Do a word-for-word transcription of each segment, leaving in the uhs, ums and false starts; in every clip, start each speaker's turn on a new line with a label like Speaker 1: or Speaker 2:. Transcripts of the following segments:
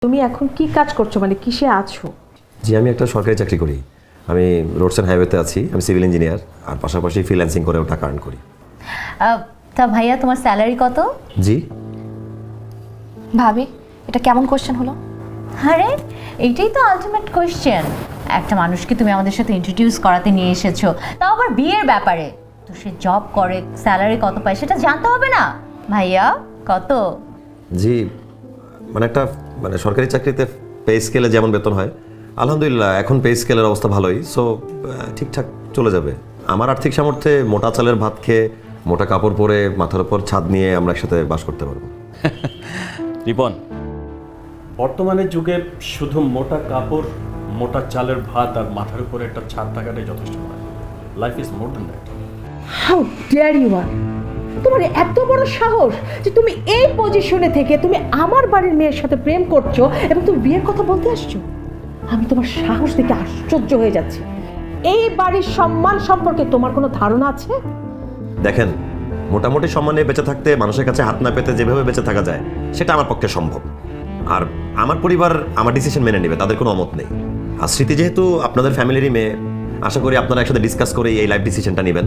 Speaker 1: তুমি এখন কি কাজ করছো, মানে কিসে আছো?
Speaker 2: জি, আমি একটা সরকারি চাকরি করি। আমি রোডস অ্যান্ড হাইওয়েতে আছি। আমি সিভিল ইঞ্জিনিয়ার, আর পাশাপাশি ফ্রিল্যান্সিং করেও টাকা আর্ন করি।
Speaker 3: তা ভাইয়া তোমার স্যালারি কত?
Speaker 2: জি
Speaker 4: ভাবি, এটা কেমন কোশ্চেন হলো?
Speaker 3: আরে এইটাই তো আলটিমেট কোয়েশ্চেন। একটা মানুষকে তুমি আমাদের সাথে ইন্ট্রোডিউস করাতে নিয়ে এসেছো, তাও আবার বিয়ের ব্যাপারে। তো সে জব করে, স্যালারি কত পায় সেটা জানতে হবে না? ভাইয়া কত?
Speaker 2: জি, মানে একটা মানে সরকারি চাকরিতে পে স্কেলে যেমন বেতন হয়, আলহামদুলিল্লাহ এখন পে স্কেলের অবস্থা ভালোই। সো ঠিকঠাক চলে যাবে। আমার আর্থিক সামর্থ্যে মোটা চালের ভাত খেয়ে, মোটা কাপড় পরে, মাথার উপর ছাদ নিয়ে আমরা একসাথে বাস করতে পারবো।
Speaker 5: রিপন, বর্তমানের যুগে শুধু মোটা কাপড়, মোটা চালের ভাত আর মাথার উপরে একটা ছাদ থাকাটাই যথেষ্ট নয়। Life is more than that.
Speaker 1: How dare you are! তোমার এত বড় সাহস যে তুমি এই পজিশনে থেকে তুমি আমার বাড়ির মেয়ের সাথে প্রেম করছো এবং তুমি বিয়ের কথা বলতে আসছো। আমি তোমার সাহস দেখে আশ্চর্য হয়ে যাচ্ছি। এই বাড়ির সম্মান সম্পর্কে তোমার কোনো ধারণা আছে?
Speaker 2: দেখেন, মোটামুটি সম্মানে বেঁচে থাকতে মানুষের কাছে হাত না পেতে যেভাবে বেঁচে থাকা যায় সেটা আমার পক্ষে সম্ভব। আর আমার পরিবার আমার ডিসিশন মেনে নেবে, তাদের কোনো অমত নেই। আর স্মৃতি যেহেতু আপনাদের ফ্যামিলিরই মেয়ে, আশা করি আপনারা একসাথে ডিসকাস করে এই লাইফ ডিসিশনটা নেবেন।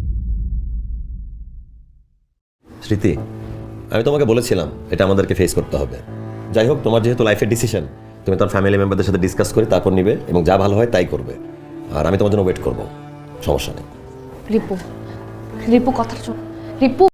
Speaker 2: স্মৃতি, আমি তোমাকে বলেছিলাম এটা আমাদেরকে ফেস করতে হবে। যাই হোক, তোমার যেহেতু লাইফের ডিসিশন, তুমি তোমার ফ্যামিলি মেম্বারদের সাথে ডিসকাস করে তারপর নিবে এবং যা ভালো হয় তাই করবে। আর আমি তোমার জন্য ওয়েট করবো, সমস্যা নেই।
Speaker 4: রিপু, রিপু কথাটা শোন। রিপু